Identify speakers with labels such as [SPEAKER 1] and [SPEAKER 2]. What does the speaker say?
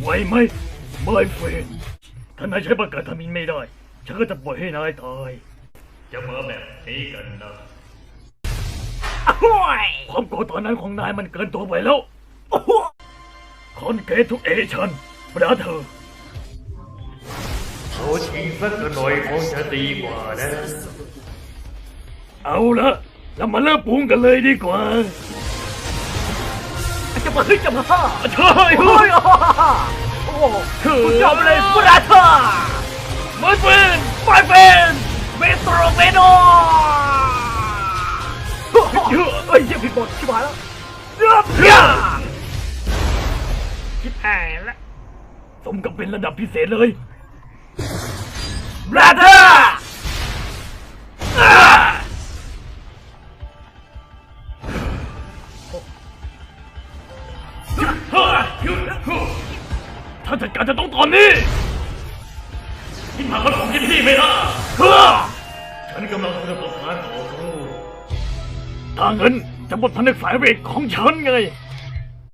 [SPEAKER 1] ไหวไหมไม่เฟนถ้านายใช้ประกาศทามินไม่ได้ฉันก็จะปล่อยให้นายตายจะมาแบบนี้กันนะความโกรธตอนนั้นของนายมันเกินตัวไปแล้วคอนเกตทุกเอชันบราเธอร์เอาชิงสักหน่อยคงจะดีกว่านะเอาละเรามาเริ่มปรุงกันเลยดีกว่าจะมาใช่เฮ้ยโอ้คุณยอมเลยบราเธอร์ไม่เป็นเมโทรเมโนเฮ้ยยังผิดบทชิบหายแล้วชิบหายแล้วสมกับเป็นระดับพิเศษเลยบราเธอร์ถ้าจัดการจะต้องตอนนี้ที่มาคนของพี่ไม่ได้ฉันกำลังจะประกาศต่อสู้ถ้างั้นจะบทพันธุ์สายเวทของฉันไง